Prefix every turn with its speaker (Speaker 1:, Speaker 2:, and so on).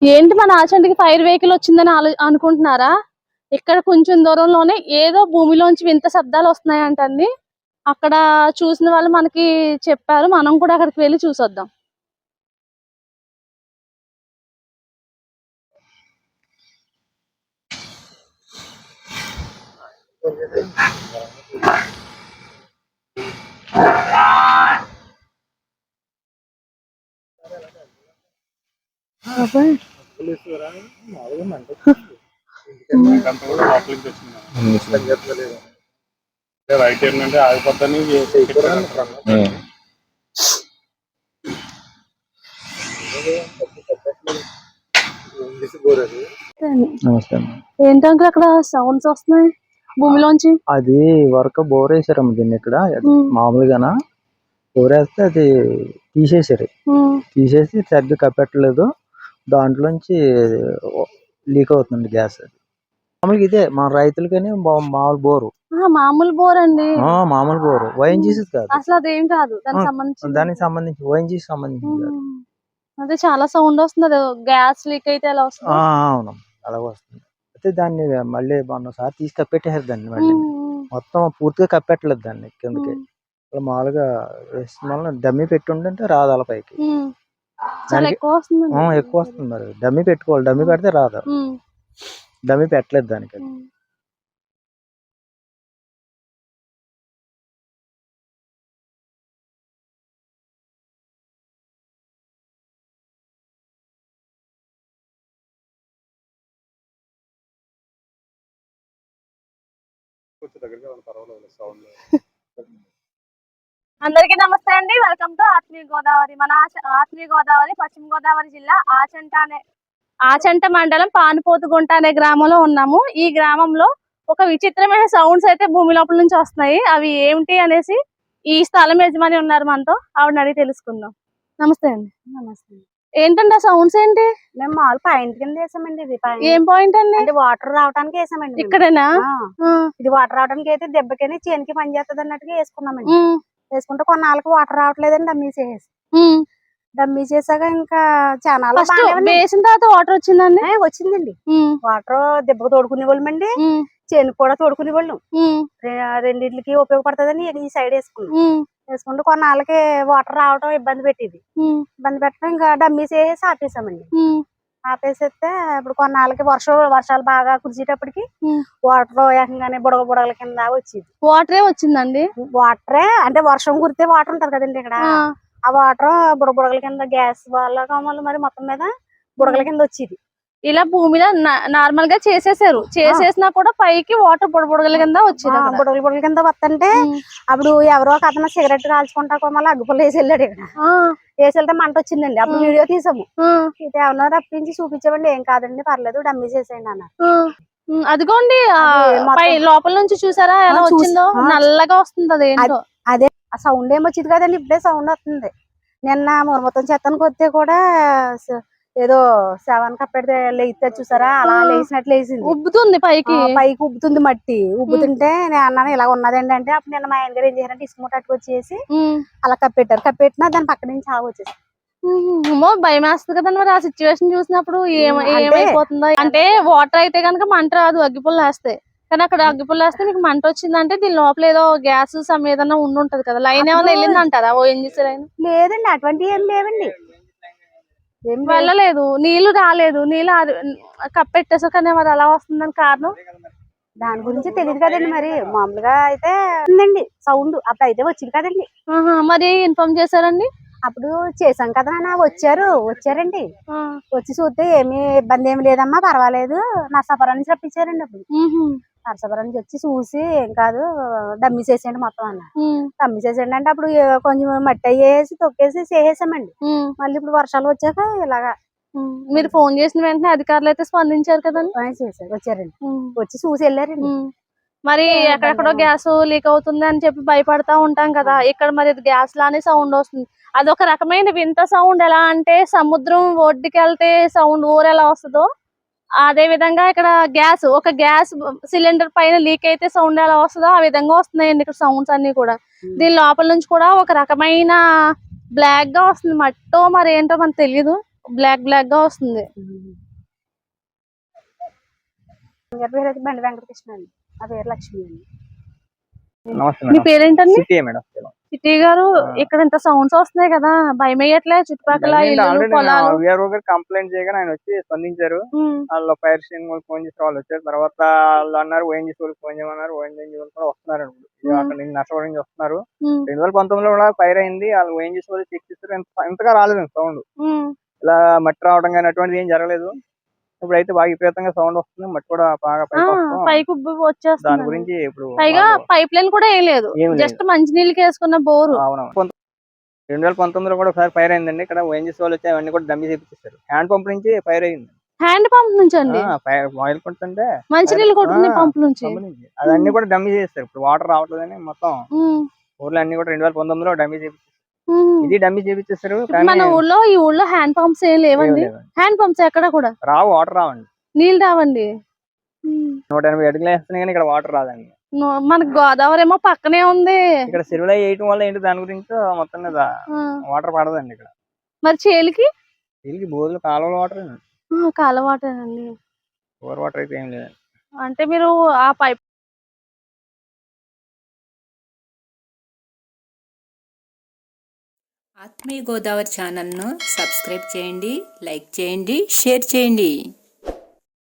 Speaker 1: ఏంటి మన ఆచంటికి fire vehicle వచ్చిందని అనుకుంటున్నారా? ఇక్కడ కొంచెం దూరంలోనే ఏదో భూమిలోంచి వింత శబ్దాలు వస్తున్నాయంటండి. అక్కడ చూసిన వాళ్ళు మనకి చెప్పారు. మనం కూడా అక్కడికి వెళ్ళి చూసొద్దాం.
Speaker 2: రైట్ ఏంటంటే ఆగిపోద్దని
Speaker 1: ఏంటంటే అక్కడ సౌండ్స్ వస్తున్నాయి భూమిలోంచి.
Speaker 3: అది వరకు బోర్ వేసారమ్మ దీన్ని ఇక్కడ మామూలుగానా బోర్ వేస్తే అది తీసేసారు. తీసేసి సరిగ్గా కప్పెట్టలేదు. దాంట్లోంచి లీక్ అవుతుంది గ్యాస్. మామూలుగా ఇదే మన రైతులకని మామూలు బోరు.
Speaker 1: మామూలు బోర్ అండి.
Speaker 3: మామూలు బోరు ఓఎన్జీసీ కాదు.
Speaker 1: అసలు అదేం కాదు
Speaker 3: దానికి సంబంధించి ఓఎన్జీసీ సంబంధించి.
Speaker 1: అదే చాలా సౌండ్ వస్తుంది. గ్యాస్ లీక్ అయితే ఎలా వస్తుంది?
Speaker 3: అవును అలాగ వస్తుంది. అయితే దాన్ని మళ్ళీ మొన్నసారి తీసి కప్పెట్టేసారు దాన్ని. మళ్ళీ మొత్తం పూర్తిగా కప్పెట్టలేదు దాన్ని కిందకి. మామూలుగా డమ్మీ పెట్టి ఉంటే రాదు అలా పైకి.
Speaker 1: ఎక్కువ
Speaker 3: వస్తుంది మరి. డమ్మీ పెట్టుకోవాలి. డమ్మీ పెడితే రాదు. డమ్మీ పెట్టలేదు దానికి.
Speaker 1: అందరికీ నమస్తే అండి. వెల్కమ్ టు ఆత్మీయ గోదావరి. మన ఆత్మీయ గోదావరి పశ్చిమ గోదావరి జిల్లా ఆచంట మండలం పానుపోతుగుంట అనే గ్రామంలో ఉన్నాము. ఈ గ్రామంలో ఒక విచిత్రమైన సౌండ్స్ అయితే భూమి లోపల నుంచి వస్తున్నాయి. అవి ఏమిటి అనేసి ఈ స్థలం యజమాని ఉన్నారు మనతో, ఆవిడని అడిగి తెలుసుకుందాం. నమస్తే అండి.
Speaker 4: నమస్తే.
Speaker 1: ఏంటండి ఆ సౌండ్స్ ఏంటి?
Speaker 4: మేము మామూలు పాయింట్ కింద వేసామండి. ఇది
Speaker 1: ఏం పాయింట్ అండి?
Speaker 4: అంటే వాటర్ రావడానికి వేసామండి.
Speaker 1: ఇక్కడేనా?
Speaker 4: ఇది వాటర్ రావడానికి అయితే దెబ్బకని చేనికి పని చేస్తుంది అన్నట్టుగా వేసుకున్నామండి. వేసుకుంటే కొన్నాళ్ళకి వాటర్ రావట్లేదండి. డమ్మీ చేసాక ఇంకా చాలా
Speaker 1: వేసిన తర్వాత వాటర్ వచ్చిందండి.
Speaker 4: వచ్చిందండి. వాటర్ దెబ్బకు తోడుకునే వాళ్ళమండి. చేనుకు కూడా తోడుకునే వాళ్ళం. రెండింటికి ఉపయోగపడుతుందని ఈ సైడ్ వేసుకుంటే కొన్నాళ్ళకి వాటర్ రావడం ఇబ్బంది పెట్టింది. ఇబ్బంది పెట్టడం ఇంకా డమ్మీ చేసి ఆపేసామండి. ఆపేసేస్తే ఇప్పుడు కొన్నాళ్ళకి వర్షాలు బాగా కురిసేటప్పటికి వాటర్ ఏకంగానే బుడగల కింద వచ్చేది.
Speaker 1: వాటరే వచ్చిందండి.
Speaker 4: వాటరే అంటే వర్షం కురితే వాటర్ ఉంటది కదండి ఇక్కడ. ఆ వాటర్ బుడగల కింద గ్యాస్ వాళ్ళ మరి మొత్తం మీద బుడగల కింద వచ్చేది.
Speaker 1: ఇలా భూమిలో నార్మల్ గా చేసేసినా కూడా పైకి వాటర్ బుడగల కింద వచ్చేది.
Speaker 4: బుడగల కింద వస్తుంటే అప్పుడు ఎవరో ఒక అతను సిగరెట్ కాల్చుకుంటా మళ్ళీ అగ్గుపుల్ల వేసి వెళ్ళాడు. ఇక్కడ వేసి వెళ్తే మంట వచ్చిందండి. అప్పుడు వీడియో తీసాము. ఇది ఏమన్నా రప్పించి చూపించామండి. ఏం కాదండి పర్లేదు డమ్మీ చేసేయండి అన్న.
Speaker 1: అదిగోండి లోపల నుంచి చూసారా ఎలా వచ్చిందో? నల్లగా వస్తుంది.
Speaker 4: అదే ఆ సౌండ్ ఏమొచ్చింది కదండి. ఇప్పుడే సౌండ్ వస్తుంది. నిన్న మొత్తం చెత్తనికి వస్తే కూడా ఏదో శవాన్ని కప్పెడితే లేస్తే చూసారా అలా లేచినట్లు లేచింది.
Speaker 1: ఉబ్బుతుంది పైకి
Speaker 4: ఉబ్బుతుంది. మట్టి ఉబ్బుతుంటే నేను అన్నాను ఇలా ఉన్నదండి అంటే అప్పుడు నిన్న మా ఆయన గారు ఏం చేశారంటే ఇసుక మూట వచ్చేసి అలా కప్పెట్టినా దాని పక్క నుంచి ఆగు వచ్చేసి
Speaker 1: భయం వేస్తుంది కదండి. మరి ఆ సిచ్యువేషన్ చూసినప్పుడు ఏమైపోతుందో. అంటే వాటర్ అయితే కనుక మంట రాదు, అగ్గిపుల్ల వేస్తే. కానీ అక్కడ అగ్గిపుల్ల వేస్తే మీకు మంట వచ్చిందంటే దీని లోపల ఏదో గ్యాస్ ఏదైనా ఉంటది కదా. లైన్ ఏమైనా వెళ్ళింది అంటారా? ఓఎన్జీసీ లైన్
Speaker 4: లేదండి. అటువంటివి ఏం లేవండి.
Speaker 1: వెళ్ళలేదు, నీళ్లు రాలేదు. నీళ్ళు కప్పెట్టేసా కానీ మరి అలా వస్తుందని కారణం
Speaker 4: దాని గురించి తెలియదు కదండి. మరి మామూలుగా అయితే ఉందండి సౌండ్. అప్పుడు అయితే వచ్చింది కదండి.
Speaker 1: మరి ఇన్ఫార్మ్ చేశారండి?
Speaker 4: అప్పుడు చేసాం కదా వచ్చారండి. వచ్చి చూస్తే ఏమి ఇబ్బంది ఏమి లేదమ్మా పర్వాలేదు నర్సాపురం నుంచి రప్పించారండి. అప్పుడు నర్సాపురం నుంచి వచ్చి చూసి ఏం కాదు డమ్మీ చేసేయండి మొత్తం అన్న. డమ్మీ చేసేయండి అంటే అప్పుడు కొంచెం మట్టి అయ్యేసి తొక్కేసి చేసేసామండి. మళ్ళీ ఇప్పుడు వర్షాలు వచ్చాక ఇలాగా.
Speaker 1: మీరు ఫోన్ చేసిన వెంటనే అధికారులు అయితే స్పందించారు కదండి?
Speaker 4: వచ్చారండి. వచ్చి చూసి వెళ్ళారండి.
Speaker 1: మరి ఎక్కడెక్కడో గ్యాస్ లీక్ అవుతుంది అని చెప్పి భయపడతా ఉంటాం కదా. ఇక్కడ మరి గ్యాస్ లానే సౌండ్ వస్తుంది. అదొక రకమైన వింత సౌండ్. ఎలా అంటే సముద్రం ఒడ్డుకి వెళ్తే సౌండ్ ఊరు ఎలా వస్తుందో అదే విధంగా ఇక్కడ ఒక గ్యాస్ సిలిండర్ పైన లీక్ అయితే సౌండ్ ఎలా వస్తుందో ఆ విధంగా వస్తున్నాయండి ఇక్కడ సౌండ్స్ అన్ని కూడా. దీని లోపల నుంచి కూడా ఒక రకమైన బ్లాక్ గా వస్తుంది. మట్టో మరి ఏంటో మనకు తెలియదు. బ్లాక్ గా వస్తుంది.
Speaker 4: గారి పేరు అయితే బండి వెంకటకృష్ణ అండి. నా పేరు లక్ష్మి అండి.
Speaker 3: నమస్తే
Speaker 1: మీ
Speaker 3: మేడం.
Speaker 1: పేరేంటండి?
Speaker 3: సిటీ మేడం.
Speaker 1: సిటీ గారు, ఇక్కడ ఇంత సౌండ్స్ వస్తున్నాయి కదా, భయం వేయట్లే? చుట్టుపక్కల ఇల్లు పొలాలు.
Speaker 3: విఆర్ఓ గారు కంప్లైంట్ చేయగానే ఆయన వచ్చి స్పందించారు. వాళ్ళు ఫైర్ స్టేషన్ వాళ్ళు ఫోన్ చేసి వాళ్ళు వచ్చారు. తర్వాత వాళ్ళు అన్నారు ఓఎన్జీసీ వాళ్ళకి ఫోన్ చేయమన్నారు. ఓఎన్జీసీ వాళ్ళు కూడా వస్తున్నారు. అక్కడ నుంచి నర్సవరం నుంచి వస్తున్నారు. 2019లో కూడా ఫైర్ అయింది. వాళ్ళు ఓఎన్జీసీ వాళ్ళు చెక్ చేస్తారు. ఇంతగా రాలేదు సౌండ్. ఇలా మట్టి రావడం కానీ అటువంటిది ఏం జరగలేదు. ఇప్పుడైతే బాగా విపరీతంగా సౌండ్ వస్తుంది. మట్టి కూడా బాగా
Speaker 1: పైకి ఉబ్బి వచ్చేస్తుంది.
Speaker 3: దాని గురించి ఇప్పుడు
Speaker 1: పైగా పైప్ లైన్ కూడా ఏం లేదు, జస్ట్ మంచినీళ్ళకి వేసుకున్న బోరు.
Speaker 3: 2019లో కూడా ఒకసారి ఫైర్ అయిందండి. ఇక్కడ ఓఎన్జీసీ వాళ్ళు వచ్చి అవన్నీ కూడా డమ్మీ చేపించేస్తారు. హ్యాండ్ పంప్ నుంచి ఫైర్ అయింది.
Speaker 1: హ్యాండ్ పంప్ నుంచి అండి?
Speaker 3: ఆయిల్ కొడుతుంటే
Speaker 1: మంచినీళ్ళు కొట్టుకునే పంప్ నుంచి
Speaker 3: అవన్నీ కూడా డమ్మీ చేస్తారు. ఇప్పుడు వాటర్ రావట్లేదని మొత్తం ఊర్లో అన్ని కూడా 2019లో డమ్మీ చేపించారు. ఇది డమ్మీ చేపించేస్తారు.
Speaker 1: మన ఊళ్ళో ఈ ఊళ్ళో హ్యాండ్ పంప్స్ ఏం లేవండి. హ్యాండ్ పంప్స్ ఎక్కడ కూడా
Speaker 3: రావు, వాటర్ రావండి,
Speaker 1: నీళ్ళు రావండి.
Speaker 3: 180 అడుగులు వేస్తున్నాయి కానీ ఇక్కడ వాటర్ రాదండి.
Speaker 1: మనకు గోదావరి ఏమో పక్కనే ఉంది.
Speaker 3: ఇక్కడ సిరువులు వేయటం వల్ల ఏంటి దాని గురించి మొత్తం మీద వాటర్ పడదండి ఇక్కడ.
Speaker 1: మరి చేలికి
Speaker 3: బోర్లు కాలువల వాటర్,
Speaker 1: కాలువ వాటర్ అండి.
Speaker 3: బోర్ వాటర్ అయితే ఏం లేదండి.
Speaker 1: అంటే మీరు ఆ పైప్
Speaker 5: ఆత్మీయ గోదావరి ఛానల్ను సబ్స్క్రైబ్ చేయండి, లైక్ చేయండి, షేర్ చేయండి.